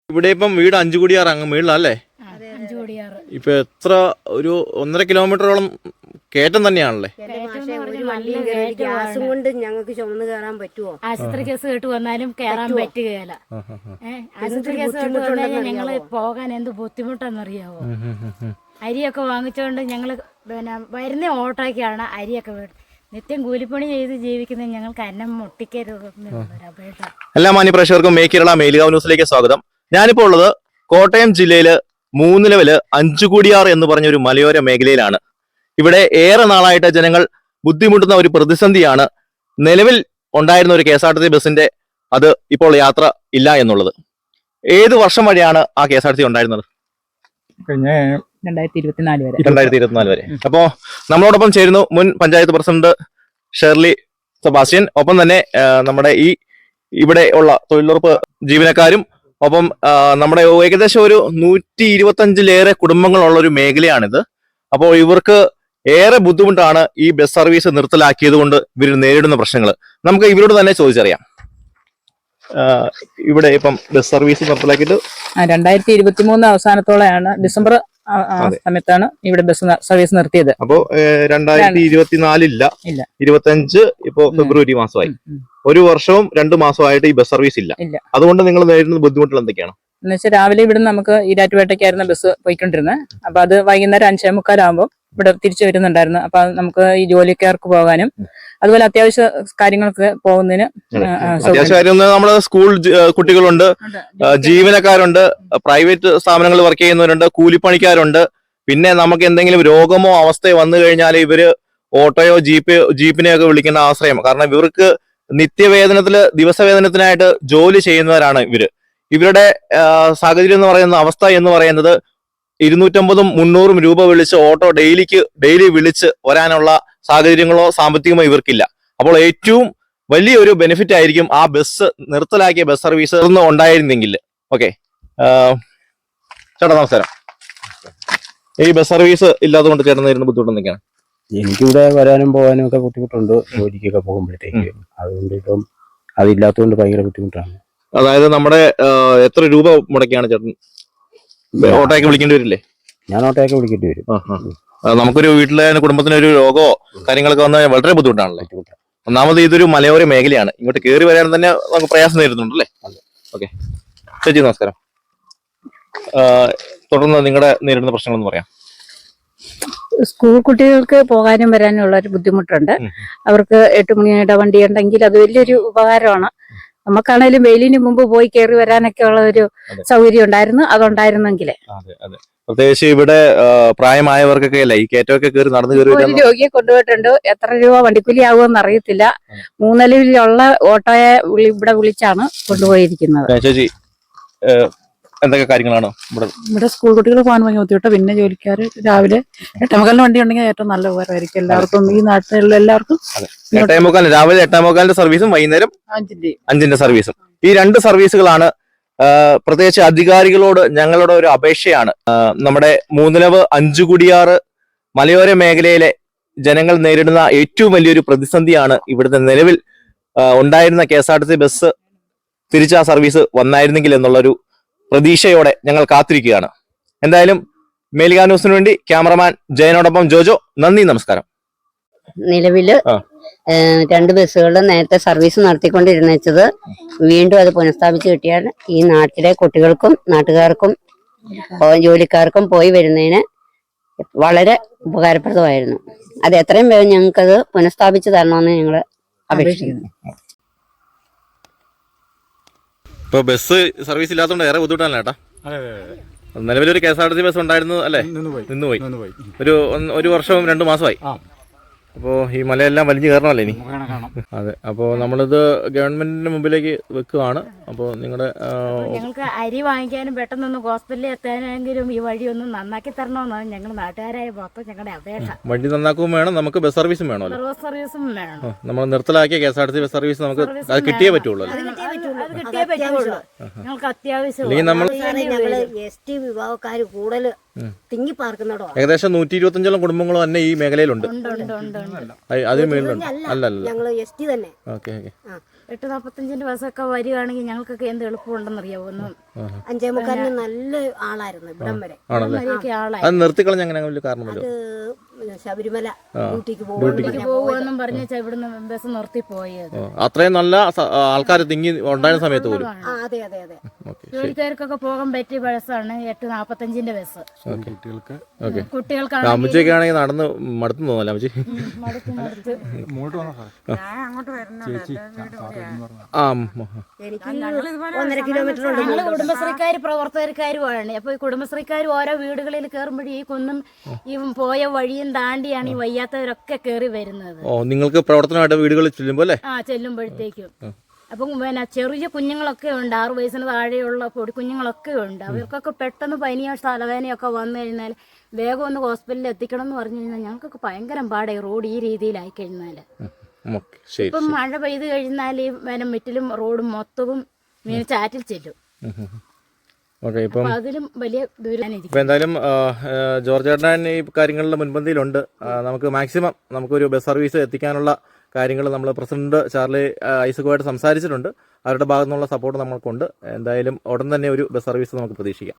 ഇവിടെ ഇപ്പം വീട് 5 കോടിയാറ് അങ്ങ് വീട്ടിലല്ലേ? ഇപ്പൊ എത്ര ഒരു 1.5 കിലോമീറ്ററോളം കയറ്റം തന്നെയാണല്ലേ? ഗ്യാസും കൊണ്ട് ഞങ്ങൾക്ക് ചുമന്ന് കയറാൻ പറ്റുമോ? ആശുപത്രി കേസ് കേട്ട് വന്നാലും കയറാൻ പറ്റുകയല്ല. ആശുപത്രി കേസ് കേട്ട് വന്നാൽ ഞങ്ങള് പോകാൻ എന്ത് ബുദ്ധിമുട്ടാണെന്നറിയാവോ? അരിയൊക്കെ വാങ്ങിച്ചോണ്ട് ഞങ്ങള് വരുന്ന ഓട്ടോയ്ക്കാണ് അരിയൊക്കെ നിത്യം കൂലിപ്പണി ചെയ്ത് ജീവിക്കുന്ന ഞങ്ങൾക്ക് അന്നം മുട്ടിക്കരുത്. എല്ലാ മാന്യപ്രേക്ഷകർക്കും മേക്ക് കേരള മേലുകാവ് ന്യൂസിലേക്ക് സ്വാഗതം. ഞാനിപ്പോൾ ഉള്ളത് കോട്ടയം ജില്ലയില് മൂന്നിലവില് 5 കോടിയാറ് എന്ന് പറഞ്ഞ ഒരു മലയോര മേഖലയിലാണ്. ഇവിടെ ഏറെ നാളായിട്ട് ജനങ്ങൾ ബുദ്ധിമുട്ടുന്ന ഒരു പ്രതിസന്ധിയാണ് നിലവിൽ ഉണ്ടായിരുന്ന ഒരു KSRTC ബസിന്റെ അത് ഇപ്പോൾ യാത്ര ഇല്ല എന്നുള്ളത്. ഏത് വർഷം വരെയാണ് ആ KSRTC ഉണ്ടായിരുന്നത്? 2024 വരെ. അപ്പോ നമ്മളോടൊപ്പം ചേരുന്നു മുൻ പഞ്ചായത്ത് പ്രസിഡന്റ് ഷേർലി സെബാസ്റ്റ്യൻ, ഒപ്പം തന്നെ നമ്മുടെ ഇവിടെ ഉള്ള തൊഴിലുറപ്പ് ജീവനക്കാരും, ഒപ്പം നമ്മുടെ ഏകദേശം ഒരു 125-ലേറെ കുടുംബങ്ങളുള്ള ഒരു മേഖലയാണിത്. അപ്പോൾ ഇവർക്ക് ഏറെ ബുദ്ധിമുട്ടാണ് ഈ ബസ് സർവീസ് നിർത്തലാക്കിയത് കൊണ്ട് ഇവർ നേരിടുന്ന പ്രശ്നങ്ങൾ. നമുക്ക് ഇവരോട് തന്നെ ചോദിച്ചറിയാം. ഇവിടെ ഇപ്പം ബസ് സർവീസ് നിർത്തലാക്കിയിട്ട് 2023 അവസാനത്തോളെയാണ്, ഡിസംബർ സമയത്താണ് ഇവിടെ ബസ് സർവീസ് നിർത്തിയത്. അപ്പോ 2024 ഇല്ല, 25 ഇപ്പോ ഫെബ്രുവരി മാസമായി. ഒരു വർഷവും 2 മാസമായിട്ട് ഈ ബസ് സർവീസ് ഇല്ല. അതുകൊണ്ട് നിങ്ങൾ നേരിടുന്ന ബുദ്ധിമുട്ടുകൾ എന്തൊക്കെയാണ്? എന്ന് വെച്ചാൽ രാവിലെ ഇവിടെ നമുക്ക് ഈരാറ്റുപേട്ടയ്ക്കായിരുന്നു ബസ് പോയിക്കൊണ്ടിരുന്നത്. അപ്പൊ അത് വൈകുന്നേരം 5:45 ഇവിടെ തിരിച്ചു വരുന്നുണ്ടായിരുന്നു. അപ്പൊ നമുക്ക് ഈ ജോലിക്കാർക്ക് പോകാനും അതുപോലെ അത്യാവശ്യ കാര്യങ്ങൾക്ക് പോകുന്നതിന് നമ്മുടെ സ്കൂൾ കുട്ടികളുണ്ട്, ജീവനക്കാരുണ്ട്, പ്രൈവറ്റ് സ്ഥാപനങ്ങളിൽ വർക്ക് ചെയ്യുന്നവരുണ്ട്, കൂലിപ്പണിക്കാരുണ്ട്. പിന്നെ നമുക്ക് എന്തെങ്കിലും രോഗമോ അവസ്ഥയോ വന്നു കഴിഞ്ഞാൽ ഇവര് ഓട്ടോയോ ജീപ്പിനെയൊക്കെ വിളിക്കുന്ന ആശ്രയം. കാരണം ഇവർക്ക് നിത്യവേതനത്തില് ദിവസവേതനത്തിനായിട്ട് ജോലി ചെയ്യുന്നവരാണ് ഇവര്. ഇവരുടെ സാഹചര്യം എന്ന് പറയുന്ന അവസ്ഥ എന്ന് പറയുന്നത് 250-300 രൂപ വിളിച്ച് ഓട്ടോ ഡെയിലി വിളിച്ച് വരാനുള്ള സാഹചര്യങ്ങളോ സാമ്പത്തികമോ ഇവർക്കില്ല. അപ്പോൾ ഏറ്റവും വലിയൊരു ബെനിഫിറ്റ് ആയിരിക്കും ആ ബസ് നിർത്തലാക്കിയ ബസ് സർവീസ് ഉണ്ടായിരുന്നെങ്കിൽ. ഓക്കെ ചേട്ടാ നമസ്കാരം. ഈ ബസ് സർവീസ് ഇല്ലാതെ കൊണ്ട് ചേട്ടൻ നേരിടുന്ന ബുദ്ധിമുട്ട് എന്തൊക്കെയാണ്? എനിക്കിവിടെ വരാനും പോകാനും ഒക്കെ ബുദ്ധിമുട്ടുണ്ട്, ജോലിക്കൊക്കെ പോകുമ്പോഴത്തേക്ക്. അതുകൊണ്ട് ഇപ്പം അതില്ലാത്തതുകൊണ്ട് ഭയങ്കര ബുദ്ധിമുട്ടാണ്. അതായത് നമ്മുടെ എത്ര രൂപ മുടക്കിയാണ് ചേട്ടൻ ഓട്ടോയൊക്കെ വിളിക്കേണ്ടി വരില്ലേ? ഞാൻ ഓട്ടോയൊക്കെ വിളിക്കേണ്ടി വരും. നമുക്കൊരു വീട്ടിലെ കുടുംബത്തിന് ഒരു രോഗമോ കാര്യങ്ങളൊക്കെ വന്നാൽ വളരെ ബുദ്ധിമുട്ടാണല്ലേ? ഒന്നാമത് ഇതൊരു മലയോര മേഖലയാണ്, ഇങ്ങോട്ട് കയറി വരാൻ തന്നെ നമുക്ക് പ്രയാസം നേരിടുന്നുണ്ടല്ലേ? ഓക്കെ ചേച്ചി നമസ്കാരം. തുടർന്ന് നിങ്ങളുടെ നേരിടുന്ന പ്രശ്നങ്ങൾ എന്ന് പറയാം. സ്കൂൾ കുട്ടികൾക്ക് പോകാനും വരാനും ഉള്ള ഒരു ബുദ്ധിമുട്ടുണ്ട്. അവർക്ക് 8 മണിയുടെ വണ്ടി ഉണ്ടെങ്കിൽ അത് വലിയൊരു ഉപകാരമാണ്. നമുക്കാണേലും വെയിലിന് മുമ്പ് പോയി കയറി വരാനൊക്കെ ഉള്ള ഒരു സൗകര്യം ഉണ്ടായിരുന്നു, അതുണ്ടായിരുന്നെങ്കിലേ. പ്രത്യേകിച്ച് ഇവിടെ പ്രായമായവർക്കൊക്കെ അല്ലേ ഈ കയറ്റമൊക്കെ കയറി നടന്നു കയറി. ഒരു രോഗിയെ കൊണ്ടുപോയിട്ടുണ്ട്. എത്ര രൂപ വണ്ടിക്കൂലി ആകുമെന്ന് അറിയത്തില്ല. മൂന്നിലവിലുള്ള ഓട്ടോയെ ഇവിടെ വിളിച്ചാണ് കൊണ്ടുപോയിരിക്കുന്നത്. ചേച്ചി എന്തൊക്കെ കാര്യങ്ങളാണ് ഇവിടെ സ്കൂൾ കുട്ടികൾ പോകാൻ ഭയങ്കര ബുദ്ധിമുട്ട്. പിന്നെ ജോലിക്കാർ രാവിലെ 8:45 വണ്ടി ഉണ്ടെങ്കിൽ ഏറ്റവും നല്ല ഉപകാരമായിരിക്കും എല്ലാവർക്കും, ഈ നാട്ടിലുള്ള എല്ലാവർക്കും. 8:45 രാവിലെ 8:45 സർവീസും വൈകുന്നേരം 5 സർവീസും. ഈ 2 സർവീസുകളാണ് പ്രത്യേകിച്ച് അധികാരികളോട് ഞങ്ങളുടെ ഒരു അപേക്ഷയാണ്. നമ്മുടെ മൂന്നിലവ് 5 കോടിയാറ് മലയോര മേഖലയിലെ ജനങ്ങൾ നേരിടുന്ന ഏറ്റവും വലിയൊരു പ്രതിസന്ധിയാണ് ഇവിടുത്തെ നിലവിൽ ഉണ്ടായിരുന്ന KSRTC ബസ് തിരിച്ച് ആ സർവീസ് വന്നായിരുന്നെങ്കിൽ എന്നുള്ളൊരു പ്രതീക്ഷയോടെ ഞങ്ങൾ കാത്തിരിക്കുകയാണ്. എന്തായാലും മേലുകാവ് ന്യൂസിന് വേണ്ടി ക്യാമറമാൻ ജയനോടൊപ്പം ജോജോ. നന്ദി, നമസ്കാരം. നിലവില് 2 ബസ്സുകളിൽ നേരത്തെ സർവീസ് നടത്തിക്കൊണ്ടിരുന്നത് വീണ്ടും അത് പുനഃസ്ഥാപിച്ച് കിട്ടിയാൽ ഈ നാട്ടിലെ കുട്ടികൾക്കും നാട്ടുകാർക്കും ജോലിക്കാർക്കും പോയി വരുന്നതിന് വളരെ ഉപകാരപ്രദമായിരുന്നു. അത് എത്രയും വേഗം ഞങ്ങൾക്കത് പുനഃസ്ഥാപിച്ച് തരണമെന്ന് ഞങ്ങൾ അപേക്ഷിക്കുന്നു. ഇപ്പൊ ബസ് സർവീസ് ഇല്ലാത്തതുകൊണ്ട് ഏറെ ബുദ്ധിമുട്ടാണ് ചേട്ടാ. നിലവിലൊരു KSRTC ബസ് ഉണ്ടായിരുന്നു അല്ലേ? നിന്നുപോയി. ഒരു വർഷവും 2 മാസമായി. അപ്പോ ഈ മലയെല്ലാം വലിഞ്ഞു കയറണമല്ലേ ഇനി? അതെ. അപ്പോ നമ്മളിത് ഗവൺമെന്റിന്റെ മുമ്പിലേക്ക് വെക്കുകയാണ്. അപ്പോ ഞങ്ങൾക്ക് അരി വാങ്ങിക്കാനും പെട്ടെന്നൊന്ന് ഹോസ്പിറ്റലിൽ എത്താനെങ്കിലും ഈ വഴി ഒന്ന് നന്നാക്കി തരണമെന്നാണ് ഞങ്ങൾ നാട്ടുകാരായ മൊത്തം ഞങ്ങളുടെ അപേക്ഷ. വണ്ടി നന്നാക്കുകയും വേണം, നമുക്ക് ബസ് സർവീസും വേണമല്ലോ. ബസ് സർവീസും വേണം. നമ്മൾ നിർത്തലാക്കിയ KSRTC ബസ് സർവീസ് നമുക്ക് അത് കിട്ടിയേ പറ്റുള്ളൂ. ഞങ്ങൾക്ക് അത്യാവശ്യം ST വിഭാഗക്കാർ കൂടുതൽ തിങ്ങി പാർക്കുന്നതോ. ഏകദേശം 125 കുടുംബങ്ങളും തന്നെ ഈ മേഖലയിലുണ്ട്. അതിന് മേലുണ്ട്. അല്ലല്ല, ഞങ്ങള് ST തന്നെ. ഓക്കെ. 8:45 ബസ്സൊക്കെ വരികയാണെങ്കിൽ ഞങ്ങൾക്കൊക്കെ എന്ത് എളുപ്പമുണ്ടെന്നറിയാവോ? ഒന്ന് 5:45 നല്ല ആളായിരുന്നു ഇവിടം വരെ. ആണല്ലേ? വരെയൊക്കെ ആളായി അത് നിർത്തിക്കളഞ്ഞ അങ്ങനെ വലിയ കാരണമല്ലോ. ശബരിമല ഡ്യൂട്ടിക്ക് പോകുമെന്നും പറഞ്ഞ ഇവിടുന്ന് ബസ് നിർത്തി പോയത്. അത്രയും നല്ല ആൾക്കാർ തിങ്ങി ഉണ്ടായിരുന്ന സമയത്ത് പോലും. അതെ അതെ അതെ. ജോലിക്കാർക്കൊക്കെ പോകാൻ പറ്റിയ ബസ്സാണ് 8:45 ബസ്. കുട്ടികൾക്കാണ് അമ്മച്ചിയൊക്കെ ആണെങ്കിൽ നടന്ന് മടുത്തു തോന്നല്ലേ അമ്മച്ചി? എനിക്ക് 1.5 കിലോമീറ്റർ ഉണ്ട്. ഞങ്ങള് കുടുംബശ്രീക്കാര് പ്രവർത്തകർക്കാരുമാണ്. അപ്പൊ ഈ കുടുംബശ്രീക്കാർ ഓരോ വീടുകളിൽ കയറുമ്പോഴേ ഈ കുന്നും ഈ പോയ വഴിയും താണ്ടിയാണ് ഈ വയ്യാത്തവരൊക്കെ കയറി വരുന്നത്. ഓ, നിങ്ങൾക്ക് പ്രവർത്തനമായിട്ട് വീടുകളിൽ ചെല്ലുമ്പോ അല്ലേ? ചെല്ലുമ്പോഴത്തേക്കും അപ്പം പിന്നെ ചെറിയ കുഞ്ഞുങ്ങളൊക്കെ ഉണ്ട്, 6 വയസ്സിന് താഴെയുള്ള പൊടി കുഞ്ഞുങ്ങളൊക്കെ ഉണ്ട്. അവർക്കൊക്കെ പെട്ടെന്ന് പനിയോ തലവേനയൊക്കെ വന്നു കഴിഞ്ഞാൽ വേഗം ഒന്ന് ഹോസ്പിറ്റലിൽ എത്തിക്കണം എന്ന് പറഞ്ഞു കഴിഞ്ഞാൽ ഞങ്ങൾക്കൊക്കെ ഭയങ്കര പാടായി റോഡ് ഈ രീതിയിലായി കഴിഞ്ഞാൽ. ഇപ്പം മഴ പെയ്ത് കഴിഞ്ഞാൽ ഈ മുറ്റിലും റോഡും മൊത്തവും ചാറ്റിൽ ചെല്ലും. അതിലും വലിയ ദൂരം. എന്തായാലും ജോർജ് ചേട്ടൻ ഈ കാര്യങ്ങളുടെ മുൻപന്തിയിലുണ്ട്. നമുക്ക് മാക്സിമം നമുക്കൊരു ബസ് സർവീസ് എത്തിക്കാനുള്ള കാര്യങ്ങൾ നമ്മൾ പ്രസിഡന്റ് ചാർലി ഐസക്കുമായിട്ട് സംസാരിച്ചിട്ടുണ്ട്. അവരുടെ ഭാഗത്തു നിന്നുള്ള സപ്പോർട്ട് നമ്മൾക്കുണ്ട്. എന്തായാലും ഉടൻ തന്നെ ഒരു ബസ് സർവീസ് നമുക്ക് പ്രതീക്ഷിക്കാം.